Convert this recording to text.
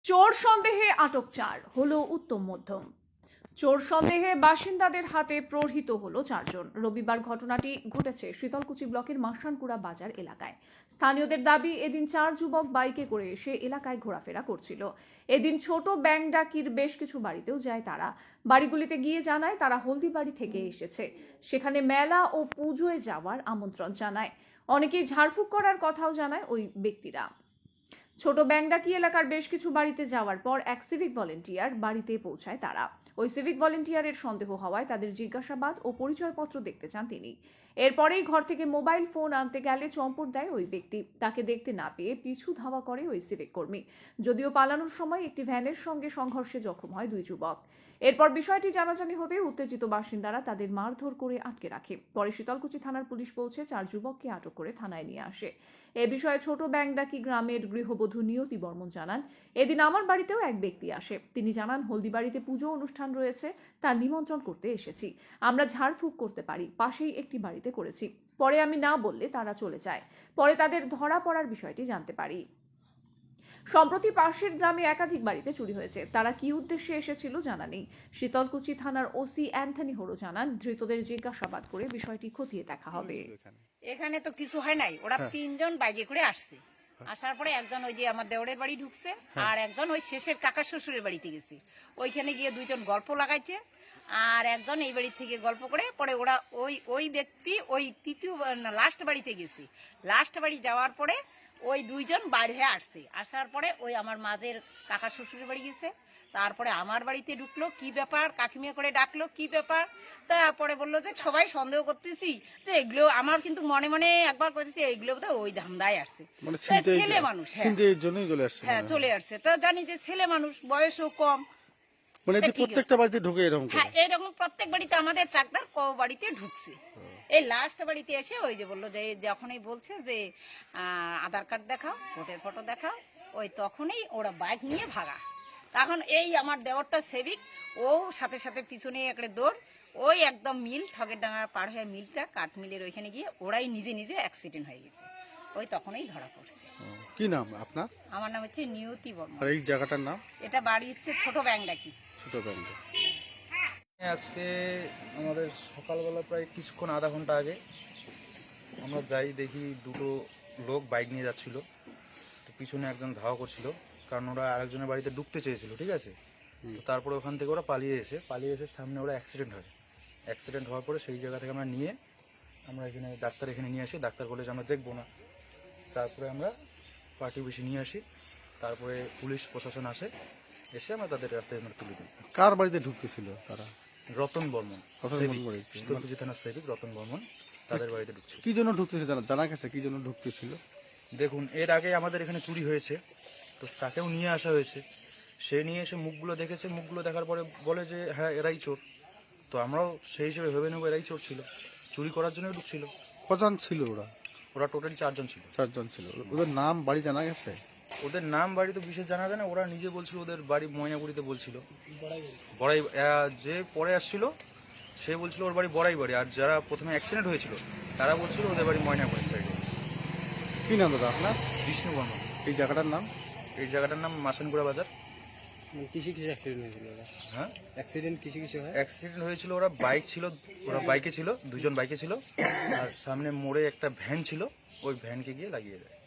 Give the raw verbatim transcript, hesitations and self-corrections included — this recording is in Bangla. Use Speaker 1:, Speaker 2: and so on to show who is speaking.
Speaker 1: চোর সন্দেহে আটক চার, হলো উত্তম মধ্যম। চোর সন্দেহে বাসিন্দাদের হাতে প্রহৃত হলো চারজন। রবিবার ঘটনাটি ঘটেছে শীতলকুচি ব্লকের মাসানকুড়া বাজার এলাকায়। স্থানীয়দের দাবি, এদিন চার যুবক বাইকে করে এসে এলাকায় ঘোরাফেরা করছিল। এদিন ছোট ব্যাংডাকির বেশ কিছু বাড়িতেও যায় তারা। বাড়িগুলিতে গিয়ে জানায় তারা হলদিবাড়ি থেকে এসেছে, সেখানে মেলা ও পুজোয় যাওয়ার আমন্ত্রণ জানায়। অনেকেই ঝাড়ফুঁক করার কথাও জানায় ওই ব্যক্তিরা। ছোট ব্যাংডাকি এলাকার বেশ কিছু বাড়িতে যাওয়ার পর এক সিভিক ভলেন্টিয়ার বাড়িতে পৌঁছায় তারা। ওই সিভিক ভলেন্টিয়ারের সন্দেহ হওয়ায় তাদের জিজ্ঞাসাবাদ ও পরিচয়পত্র দেখতে চান তিনি। এরপরেই ঘর থেকে মোবাইল ফোন আনতে গেলে চম্পট দেয় ওই ব্যক্তি। তাকে দেখতে না পেয়ে পিছু ধাওয়া করে ওই সিভিক কর্মী। যদিও পালানোর সময় একটি ভ্যানের সঙ্গে সংঘর্ষে জখম হয় দুই যুবক। এরপর বিষয়টি জানাজানি হতে উত্তেজিত বাসিন্দারা তাদের মারধর করে আটকে রাখে। পরে শীতলকুচি থানার পুলিশ পৌঁছে চার যুবককে আটক করে থানায় নিয়ে আসে। এ বিষয়ে ছোট ব্যাংডাকি গ্রামের গৃহবধূ নিয়তি বর্মন জানান, এদিন আমার বাড়িতেও এক ব্যক্তি আসে। তিনি জানান, হলদিবাড়িতে পুজো অনুষ্ঠান রয়েছে, তার নিমন্ত্রণ করতে এসেছি। আমরা ঝাড়ফুঁক করতে পারি, পাশেই একটি বাড়িতে করেছি। পরে আমি না বললে তারা চলে যায়। পরে তাদের ধরা পড়ার বিষয়টি জানতে পারি। সম্প্রতি পাশের গ্রামে একাধিক বাড়িতে চুরি হয়েছে, তারা কি উদ্দেশ্যে এসেছিল জানা নেই। শীতলকুচি থানার ওসি অ্যান্থনি হোরো জানান, ধৃতদের জিজ্ঞাসাবাদ করে বিষয়টি খতিয়ে দেখা হবে।
Speaker 2: এখানে তো কিছু হয় নাই, ওরা তিনজন বাইকে করে আসছে। আসার পরে একজন ওই যে আমার দেওরের বাড়ি ঢুকছে, আর একজন ওই শেষের কাকা শ্বশুরের বাড়িতে গেছে। ওইখানে গিয়ে দুইজন গল্প লাগাইছে, আর একজন এই বাড়ি থেকে গল্প করে পরে ওরা ওই ওই ব্যক্তি ওই তৃতীয় লাস্ট বাড়িতে গেছে। লাস্ট বাড়ি যাওয়ার পরে ওই দুইজন বাইরে আসছে। আসার পরে ওই আমার মাঝের কাকা শ্বশুরের বাড়ি গেছে। তারপরে আমার বাড়িতে ঢুকলো, কি ব্যাপার কাকিমিয়া করে ডাকলো, কি ব্যাপার। তারপরে বললো যে সবাই সন্দেহ করতেছি যে এগুলো, আমার কিন্তু মনে মনে একবার করতেছি এগুলো বোধহয় ওই ধান্দায় আসছে, ছেলে মানুষ। হ্যাঁ চলে আসছে, তা জানি যে ছেলে মানুষ, বয়সও কম।
Speaker 3: মানে প্রত্যেকটা বাড়িতে ঢুকে এরকম,
Speaker 2: হ্যাঁ এইরকম প্রত্যেক বাড়িতে আমাদের চাকদার ক বাড়িতে ঢুকছে। এই লাস্ট বাড়িতে এসে ওই যে বললো যে যখনই বলছে যে আধার কার্ড দেখাও, ভোটের ফটো দেখাও, ওই তখনই ওরা বাইক নিয়ে ভাগা। তখন এই আমার দেওরটা সেবিক, ও সাথে সাথে পিছনে একটা দৌড়, ওই একদম মিল ঠগের ডাঙার পার হয়ে মিলটা কাঠ মিলের ওইখানে গিয়ে ওরাই নিজে নিজে অ্যাক্সিডেন্ট হয়ে গেছে। ওই তখনই ধরা পড়ছে।
Speaker 3: কি নাম আপনার?
Speaker 2: আমার নাম হচ্ছে নিয়তি বর্মন।
Speaker 3: আর এই জায়গাটার নাম?
Speaker 2: এটা বাড়ি হচ্ছে ছোট ব্যাংডাকি।
Speaker 3: ছোট ব্যাংডাকি।
Speaker 4: আজকে আমাদের সকালবেলা প্রায় কিছুক্ষণ আধা ঘন্টা আগে আমরা যাই, দেখি দুটো লোক বাইক নিয়ে যাচ্ছিল। তো পিছনে একজন ধাওয়া করছিল, কারণ ওরা আরেকজনের বাড়িতে ঢুকতে চেয়েছিল, ঠিক আছে। তো তারপরে ওখান থেকে ওরা পালিয়ে এসে পালিয়ে এসে সামনে ওরা অ্যাক্সিডেন্ট হয়। অ্যাক্সিডেন্ট হওয়ার পরে সেই জায়গা থেকে আমরা নিয়ে আমরা এখানে ডাক্তার এখানে নিয়ে আসি। ডাক্তার বলে যে আমরা দেখবো না। তারপরে আমরা পার্টি বেশি নিয়ে আসি। তারপরে পুলিশ প্রশাসন আসে, এসে আমরা তাদের রাস্তায় আমরা তুলে দিই।
Speaker 3: কার বাড়িতে ঢুকতেছিল তারা?
Speaker 4: রতন বর্মন, শীতলকুচি থানার সেবিক রতন বর্মন তাদের বাড়িতে ঢুকছে।
Speaker 3: কি জন্য ঢুকতেছিল জানা জানা গেছে? কি জন্য ঢুকতেছিল?
Speaker 4: দেখুন, এর আগে আমাদের এখানে চুরি হয়েছে, তো তাকেও নিয়ে আসা হয়েছে। সে নিয়ে এসে মুখগুলো দেখেছে, মুখগুলো দেখার পরে বলে যে হ্যাঁ এরাই চোর। তো আমরাও সেই হিসেবে ভেবে নেবো এরাই চোর ছিল, চুরি করার জন্য ঢুকছিল।
Speaker 3: কজন ছিল ওরা?
Speaker 4: ওরা টোটালি চারজন ছিল।
Speaker 3: চারজন ছিল। ওদের নাম বাড়ি জানা গেছে?
Speaker 4: ওদের নাম বাড়ি তো বিশেষ জানা যায় না। ওরা নিজে বলছিল ওদের বাড়ি ময়নাগুড়িতে বলছিল। বড়াই, যে পরে আসছিল সে বলছিল ওর বাড়ি বড়াই বাড়ি, আর যারা প্রথমে অ্যাক্সিডেন্ট হয়েছিল তারা বলছিল ওদের বাড়ি ময়নাগুড়ি সাইডে।
Speaker 3: কি নাম দাদা আপনার?
Speaker 4: বিষ্ণু বর্মন।
Speaker 3: এই জায়গাটার নাম?
Speaker 4: এই জায়গাটার নাম মাসানকুড়া বাজার।
Speaker 3: কিসে কিসে অ্যাক্সিডেন্ট হয়েছিল?
Speaker 4: হ্যাঁ
Speaker 3: অ্যাক্সিডেন্ট কিসে কিসে হয়?
Speaker 4: অ্যাক্সিডেন্ট হয়েছিল, ওরা বাইক ছিল, ওরা বাইকে ছিল, দুজন বাইকে ছিল, আর সামনে মোড়ে একটা ভ্যান ছিল, ওই ভ্যানকে গিয়ে লাগিয়ে দেয়।